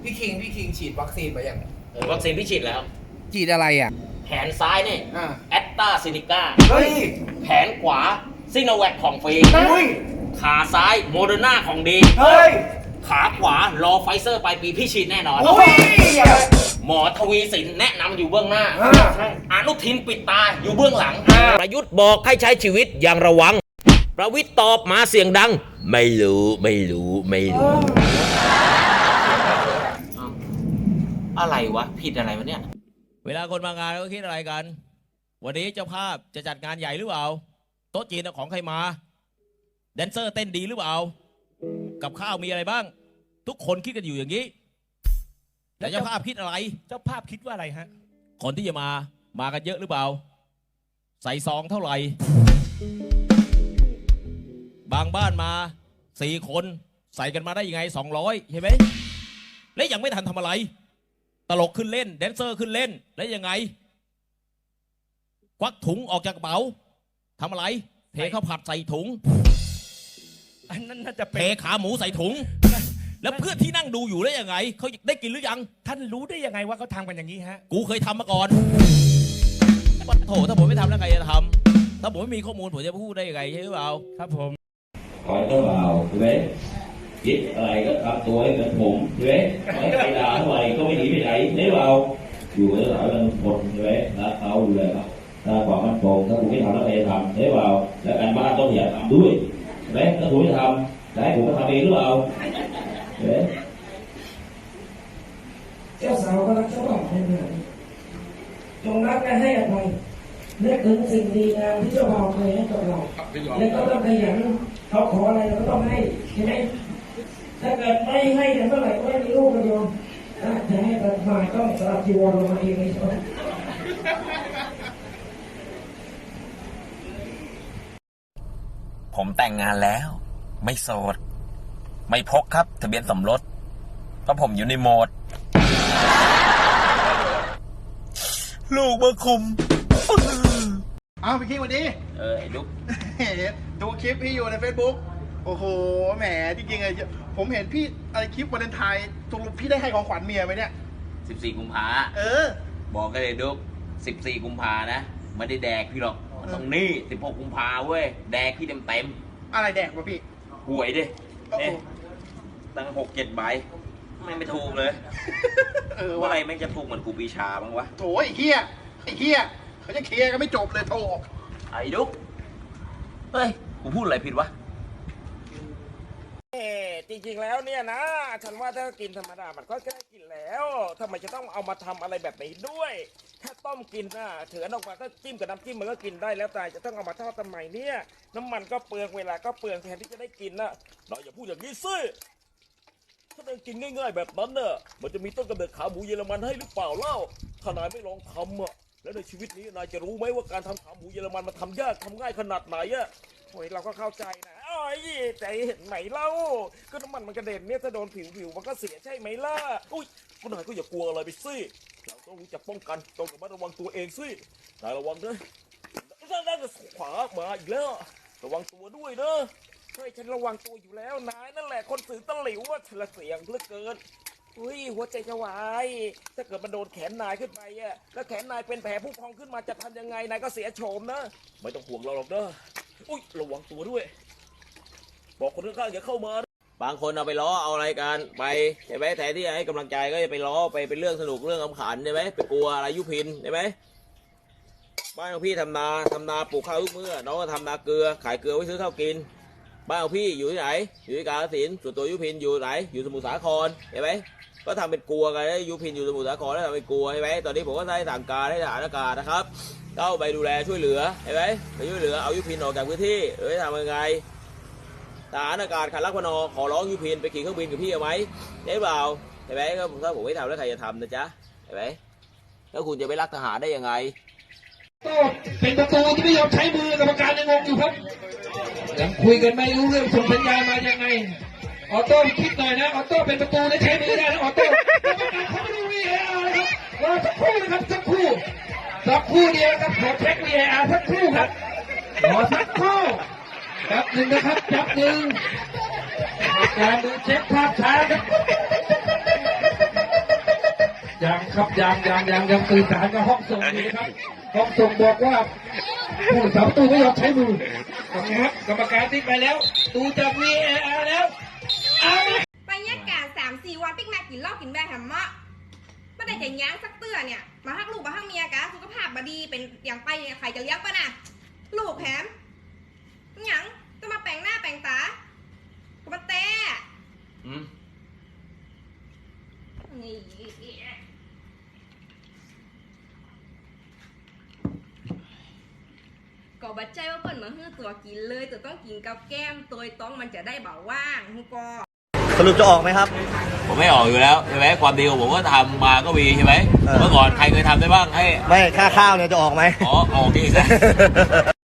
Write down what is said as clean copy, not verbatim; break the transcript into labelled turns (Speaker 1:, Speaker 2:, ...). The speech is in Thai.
Speaker 1: พี่คิงฉีดวัคซีนไปยัง
Speaker 2: วัคซีนพี่ฉีดแล้ว
Speaker 1: ฉีดอะไรอ่ะ
Speaker 2: แขนซ้ายนี่แอตตาซินิก้า
Speaker 1: เฮ้ย
Speaker 2: แขนขวาซิโนแวคของฟรีขาซ้ายโมเดอร์นาของดี
Speaker 1: เฮ้ย
Speaker 2: ขาขวารอไฟเซอร์ปลายปีพี่ฉีดแน่นอนหมอทวีสินแนะนำอยู่เบื้องหน้าอนุทินปิดตาอยู่เบื้องหลังประยุทธ์บอกให้ใช้ชีวิตอย่างระวังประวิตรตอบมาเสียงดังไม่รู้อะไรวะผิดอะไรวะเนี่ย
Speaker 3: เวลาคนมางานก็คิดอะไรกันวันนี้เจ้าภาพจะจัดงานใหญ่หรือเปล่าโต๊ะจีนของใครมาแดนเซอร์เต้นดีหรือเปล่ากับข้าวมีอะไรบ้างทุกคนคิดกันอยู่อย่างนี้แต่เจ้าภาพคิดอะไร
Speaker 4: เจ้าภาพคิดว่าอะไรฮะ
Speaker 3: คนที่จะมากันเยอะหรือเปล่าใส่ซองเท่าไหร่บางบ้านมา4 คนใส่กันมาได้ยังไง200ใช่ไหมและยังไม่ทันทำอะไรตลกขึ้นเล่นแดนเซอร์ขึ้นเล่นแล้วยังไงควักถุงออกจากกระเป๋าทำอะไรเทข้าวผัดใส่ถุง
Speaker 4: อันนั้นน่าจะ
Speaker 3: เทขาหมูใส่ถุงแล้วเพื่อนที่นั่งดูอยู่ได้ยังไงเขาได้กินหรือยัง
Speaker 4: ท่านรู้ได้ยังไงว่าเขาทำกันอย่างนี้ฮะ
Speaker 3: กูเคยทำมาก่อนโถถ้าผมไม่ทำแล้วใครจะทำถ้าผมไม่มีข้อมูลผมจะพูดได้ยังไงใช่หรือเปล่า
Speaker 4: ครับผม
Speaker 5: คอยเจ้าบ่าวใช่ไหมคิดอะไรก็ทำตัวให้เป็นผมใช่ไหมไม่ใครด่าเท่าไหร่ก็ไม่หนีไปไหนใช่เปล่าอยู่กับสาวกันคนใช่ไหมรักเขาดูแลเขาถ้าความมั่นคงถ้าคุณไม่ทำแล้วใครจะทำใช่เปล่าและการบ้านต้องอย่าทำด้วยใช่ไหมถ้าคุณไม่ทำได้ผมก็ทำเองหรือเปล่าใช่ไหม
Speaker 6: เจ้าสาวก็รักเจ้าบ่าวเหมือนกันจงรักและให้อภัยนึกถึงสิ่งดีงามที่เจ้าบ่าวเคยให้กับเราและก็ต้องขยันเขาขออะไรเราก็ต้องให้ใช่ไหมถ้าเกิดไม่ให้เนี่ยเมื่อไหร่ก็ไม่มีลูกกันโยมจะให้ตัดมาต้องสลับจีวรลงมาเองเลยใช่ไหม
Speaker 2: ผมแต่งงานแล้วไม่โสดไม่พกครับทะเบียนสมรสเพราะผมอยู่ในโหมดลูกมาคุม
Speaker 7: เอาพี่คิงวันนี้
Speaker 2: ไอ้ลูก
Speaker 7: ดูคลิปพี่อยู่ใน Facebook โอ้โหแหมจริงๆเลยผมเห็นพี่อะไรคลิปวาเลนไทน์ตกลงพี่ได้ให้ของขวัญเมียไหมเนี่ย
Speaker 2: 14 กุมภาบอกกันเลยลูก14 กุมภานะไม่ได้แดกพี่หรอกต้องนี่16 กุมภาเว้ยแดกพี่เต็ม
Speaker 7: อะไรแดกวะพี่
Speaker 2: หวยดิเนี่ยตั้ง6-7 ใบไม่ถูกเลยว่าอะไรแม่งจะถูกเหมือนกูปีชาบ้างวะ
Speaker 7: โถไอ้เหี้ยเขาจะเคลียร์ก็ไม่จบเลยโถ
Speaker 2: ไอ้ดุ๊กเฮ้ยกูพูดอะไรผิดวะ
Speaker 4: จริงๆแล้วเนี่ยนะฉันว่าถ้ากินธรรมดามันก็แค่กินแล้วทำไมจะต้องเอามาทำอะไรแบบนี้ด้วยแค่ต้มกินนะเถือนออกมาก็จิ้มกับน้ำจิ้มมันก็กินได้แล้วแต่จะต้องเอามาทอดทำไมเนี่ยน้ำมันก็เปลืองเวลาก็เปลืองแทนที่จะได้กินนะเราอย่าพูดอย่างนี้สิถ้าได้กินง่ายๆแบบนั้นเนอะมันจะมีต้นกำเนิดขาหมูเยอรมันให้หรือเปล่าเล่าถ้านายไม่ลองทำอะแล้วในชีวิตนี้นายจะรู้ไหมว่าการทำขาหมูเยอรมันมันทำยากทำง่ายขนาดไหนอะโอ้ยเราก็เข้าใจนะโอ้ยแต่เห็นไหมเล่าก็น้ำมันกระเด็นเนี่ยถ้าโดนผิวมันก็เสียใช่ไหมล่ะอุ้ยก็นายก็อย่ากลัวอะไรไปสิเราต้องรู้จักป้องกันต้องระวังตัวเองสินายระวังนะนั่นขวามาอีกแล้วระวังตัวด้วยเนอะเฮ้ยฉันระวังตัวอยู่แล้วนายนั่นแหละคนสื่อตะหลิวว่าฉันละเสียงเหลือเกินอุ้ยหัวใจจะวายถ้าเกิดมันโดนแขนนายขึ้นไปอะแล้วแขนนายเป็นแผลผู้พองขึ้นมาจะทำยังไงนายก็เสียโฉมนะไม่ต้องห่วงเราหรอกเด้ออุ้ยระวังตัวด้วยบอกคนข้างๆอย่าเข้ามา
Speaker 3: บางคนเอาไปล้อเอาอะไรกันไปใช่ไหมแทนที่จะให้กำลังใจก็จะไปล้อไปเป็นเรื่องสนุกเรื่องขำขันใช่ไหมไปกลัวอะไรยุพินใช่ไหมบ้านของพี่ทำนาปลูกข้าวทุกมื้อน้องก็ทำนาเกลือขายเกลือไว้ซื้อข้าวกินบ้านของพี่อยู่ที่ไหนอยู่ที่กาฬสินธุ์ส่วนตัวยุพินอยู่ไหนอยู่สมุทรสาครเห็นไหมก็ทำเป็นกลัวกันยุพินอยู่สมุทรสาครแล้วทำเป็นกลัวใช่ไหมตอนนี้ผมก็ได้สั่งการให้ทหารอากาศนะครับเข้าไปดูแลช่วยเหลือเห็นไหมไปช่วยเหลือเอายุพินออกจากพื้นที่ทำยังไงทหารอากาศขันลักพนขอร้องยุพินไปขี่เครื่องบินกับพี่เอาไหมได้เปล่าเห็นไหมก็ถ้าผมไม่ทำแล้วใครจะทำนะจ๊ะเห็นไหมแล้วคุณจะไปรักทหารได้ยังไง
Speaker 6: ก็เป็นประตูที่ไม่ยอมใช้มือกรรมการยังงงอยู่ครับยังคุยกันไม่รู้เรื่องส่งสัญญาณมายังไงออโต้คิดหน่อยนะออโต้เป็นประตูได้ใช้มือได้นะออโต้กรรมการเขาไม่ดู VAR ครับรอสักครู่นะครับสักครู่เดียวครับขอเช็ค VAR สักครู่ครับรอสักครู่แป๊บหนึ่งนะครับแป๊บหนึ่งการดูเช็คภาพช้าครับยังครับยังสื่อสารกับห้องส่งอยู่นะครับห้องส่งบอกว่าผู้สาประตูไม่ยอมใช้มือนะครับกรรมการติ๊กไปแล้วดูจาก VAR แล้วเอาละ
Speaker 8: ไปแยกการ3-4 วันปิ๊กแม่กินเหล้ากินแบร์แฮมมะไม่ได้จะยั้งสักเตื้อเนี่ยมาฮักลูกมาฮักเมียกะสุขภาพบดีเป็นอย่างไปใครจะเลี้ยงปะน่ะลูกแถมหยังจะมาแปลงหน้าแปลงตาก็มาแต่นี่ก็บัดใจว่าเปิ่นมาฮื้อตัวกินเลยตัวต้องกินกับแก้มตัวต้องมันจะได้เบาว่างฮู้ก็
Speaker 9: สรุปจะออกไหมครับ
Speaker 3: ผมไม่ออกอยู่แล้วใช่ไหมความดีของผมก็ทำมาก็มีใช่ไหมเมื่อก่อนใครเคยทำได้บ้างให้
Speaker 9: ไม่ค่าข้าวเนี่ยจะออกไหม
Speaker 3: อ๋อออกดีนะ